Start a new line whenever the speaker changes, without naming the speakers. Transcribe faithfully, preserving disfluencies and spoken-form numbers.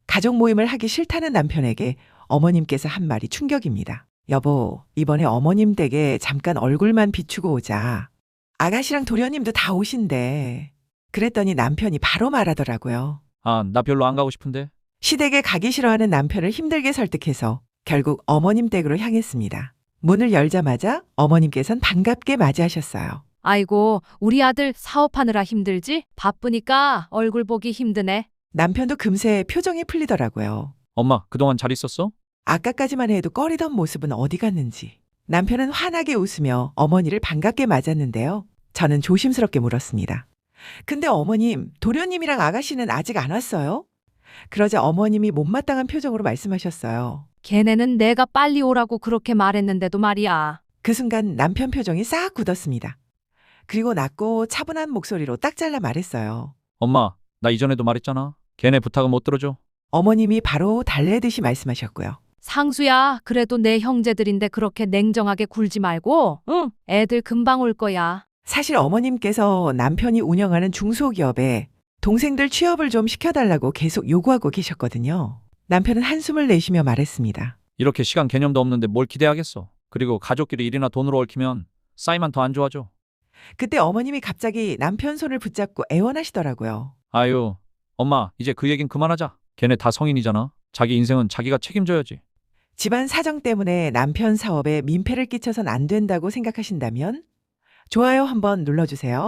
가족 모임을 하기 싫다는 남편에게 어머님께서 한 말이 충격입니다. 여보, 이번에 어머님 댁에 잠깐 얼굴만 비추고 오자. 아가씨랑 도련님도 다 오신대. 그랬더니 남편이 바로 말하더라고요.
아, 나 별로 안 가고 싶은데.
시댁에 가기 싫어하는 남편을 힘들게 설득해서 결국 어머님 댁으로 향했습니다. 문을 열자마자 어머님께선 반갑게 맞이하셨어요.
아이고, 우리 아들 사업하느라 힘들지? 바쁘니까 얼굴 보기 힘드네.
남편도 금세 표정이 풀리더라고요.
엄마, 그동안 잘 있었어?
아까까지만 해도 꺼리던 모습은 어디 갔는지. 남편은 환하게 웃으며 어머니를 반갑게 맞았는데요. 저는 조심스럽게 물었습니다. 근데 어머님, 도련님이랑 아가씨는 아직 안 왔어요? 그러자 어머님이 못마땅한 표정으로 말씀하셨어요.
걔네는 내가 빨리 오라고 그렇게 말했는데도 말이야.
그 순간 남편 표정이 싹 굳었습니다. 그리고 낮고 차분한 목소리로 딱 잘라 말했어요.
엄마, 나 이전에도 말했잖아. 걔네 부탁은 못 들어줘.
어머님이 바로 달래듯이 말씀하셨고요.
상수야, 그래도 내 형제들인데 그렇게 냉정하게 굴지 말고, 응, 애들 금방 올 거야.
사실 어머님께서 남편이 운영하는 중소기업에 동생들 취업을 좀 시켜달라고 계속 요구하고 계셨거든요. 남편은 한숨을 내쉬며 말했습니다.
이렇게 시간 개념도 없는데 뭘 기대하겠어. 그리고 가족끼리 일이나 돈으로 얽히면 싸이만 더 안 좋아져.
그때 어머님이 갑자기 남편 손을 붙잡고 애원하시더라고요.
아유, 엄마, 이제 그 얘긴 그만하자. 걔네 다 성인이잖아. 자기 인생은 자기가 책임져야지.
집안 사정 때문에 남편 사업에 민폐를 끼쳐선 안 된다고 생각하신다면 좋아요 한번 눌러주세요.